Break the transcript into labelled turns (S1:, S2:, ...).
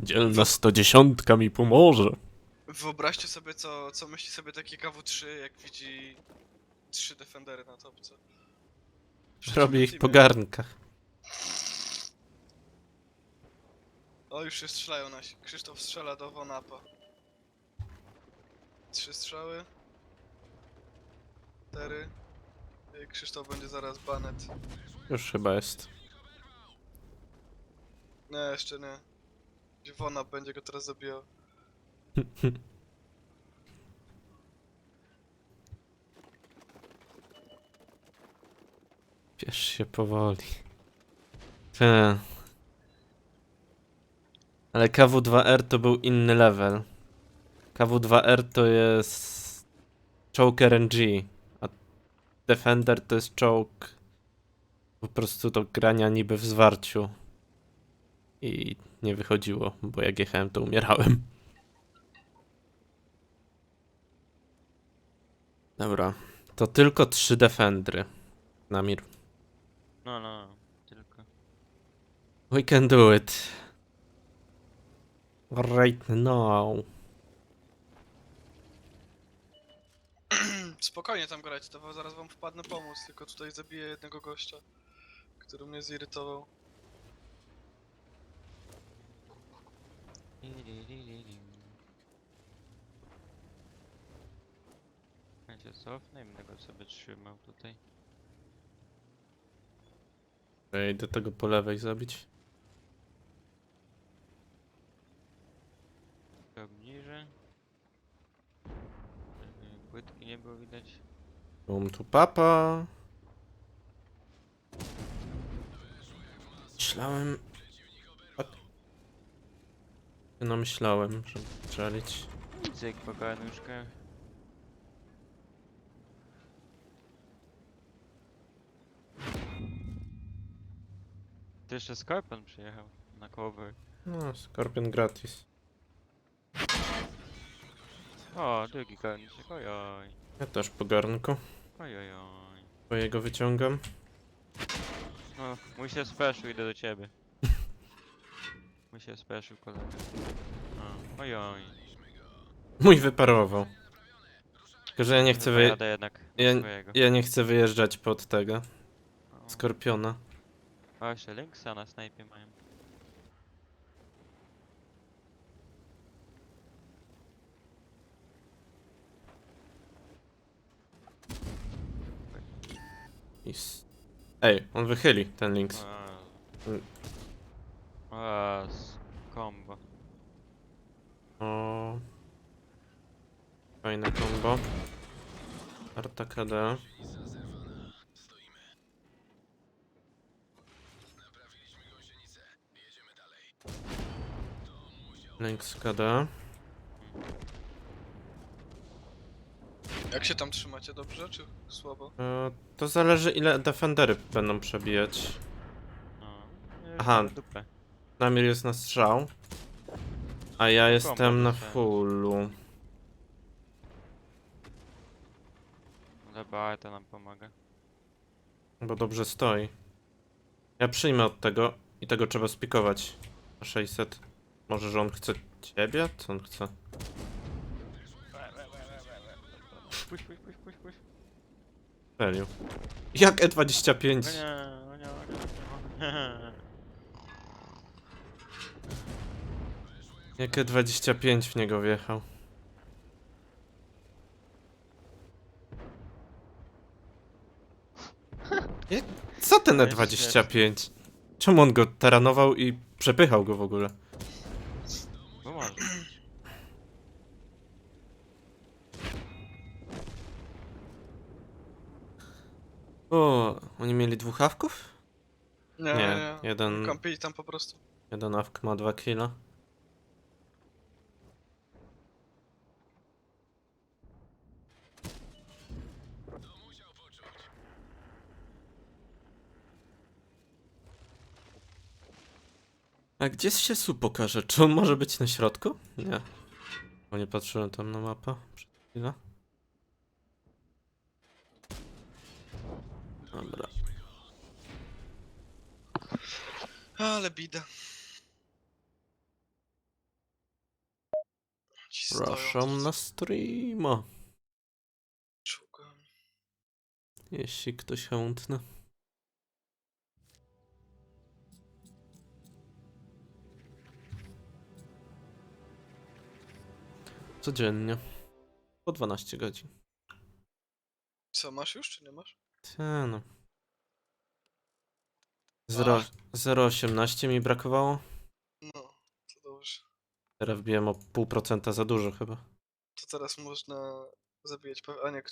S1: Dzielna 110 mi pomoże.
S2: Wyobraźcie sobie, co myśli sobie taki KW3, jak widzi 3 defendery na topce. W
S1: Robię
S2: przeciwnym
S1: ich po
S2: teamie.
S1: garnkach.
S2: O, już się strzelają nasi. Krzysztof strzela do Wonapa. 3 strzały. 4. Krzysztof będzie zaraz banet.
S1: Już chyba jest.
S2: Nie, jeszcze nie. Wonap będzie go teraz zabijał.
S1: Piesz się powoli. Te. Ale KW2R to był inny level. KW2R to jest czołg RNG, a Defender to jest czołg po prostu do grania niby w zwarciu. I nie wychodziło, bo jak jechałem to umierałem. Dobra, to tylko 3 Defendry. Namir.
S3: No, tylko.
S1: We can do it. Right now.
S2: Spokojnie tam grać, to zaraz wam wpadnę pomóc, tylko tutaj zabiję jednego gościa, który mnie zirytował.
S3: Ja się cofnę i będę go sobie trzymał tutaj.
S1: Ja idę tego po lewej zabić.
S3: Tak niżej. Żeby płytki nie było widać.
S1: Bum tu papa. Myślałem... No myślałem, żeby strzelić.
S3: Cyk po garnuszkach. To jeszcze Skorpion przyjechał na cover.
S1: No, Skorpion gratis.
S3: O, drugi garnuszek, ojoj.
S1: Ja też po garnku.
S3: Ojojoj.
S1: Twojego wyciągam.
S3: No, mój się speszył, idę do ciebie. Mój się speszył, kolega. O, ojoj.
S1: Mój wyparował. Tylko, że ja nie chcę
S3: Jadę jednak
S1: ja,
S3: swojego.
S1: ja nie chcę wyjeżdżać pod tego.
S3: O.
S1: Skorpiona.
S3: O, jeszcze Lynxa na snajpie mają.
S1: Ej, on wychyli ten Lynx.
S3: Mm. O, combo.
S1: O. Fajne combo. Arta KD. Lynx KD.
S2: Jak się tam trzymacie, dobrze czy słabo?
S1: To zależy ile defendery będą przebijać.
S3: No,
S1: Aha.
S3: dupę.
S1: Namir jest na strzał. A ja jestem na
S3: dostałem.
S1: fullu.
S3: Dobra, to nam pomaga.
S1: Bo dobrze stoi. Ja przyjmę od tego i tego trzeba spikować. Na 600. Może, że on chce ciebie? Co on chce?
S3: Puść, puść, puść, puść, puść.
S1: Serio. Jak E25?
S3: O nie, o nie, o nie, o nie.
S1: Jak E25 w niego wjechał. Co ten
S3: To jest
S1: E25? Czemu on go taranował i przepychał go w ogóle?
S3: Bo może.
S1: O, oni mieli dwóch awków?
S2: Nie.
S1: jeden,
S2: Kampili tam po prostu.
S1: jeden awk ma 2 killa. A gdzie się Su pokaże? Czy on może być na środku? Nie. Bo nie patrzyłem tam na mapę przed chwilą. Dobra.
S2: Ale bida. Ci stoją
S1: Proszę
S2: tu
S1: na streama.
S2: czołgami.
S1: Jeśli ktoś chętny. Codziennie. Po 12 godzin.
S2: Co, masz już, czy nie masz?
S1: Te no.
S2: Ach.
S1: 0,18 mi brakowało.
S2: No, to dobrze.
S1: Teraz wbiłem o 0,5% za dużo chyba.
S2: To teraz można zabijać... A nie,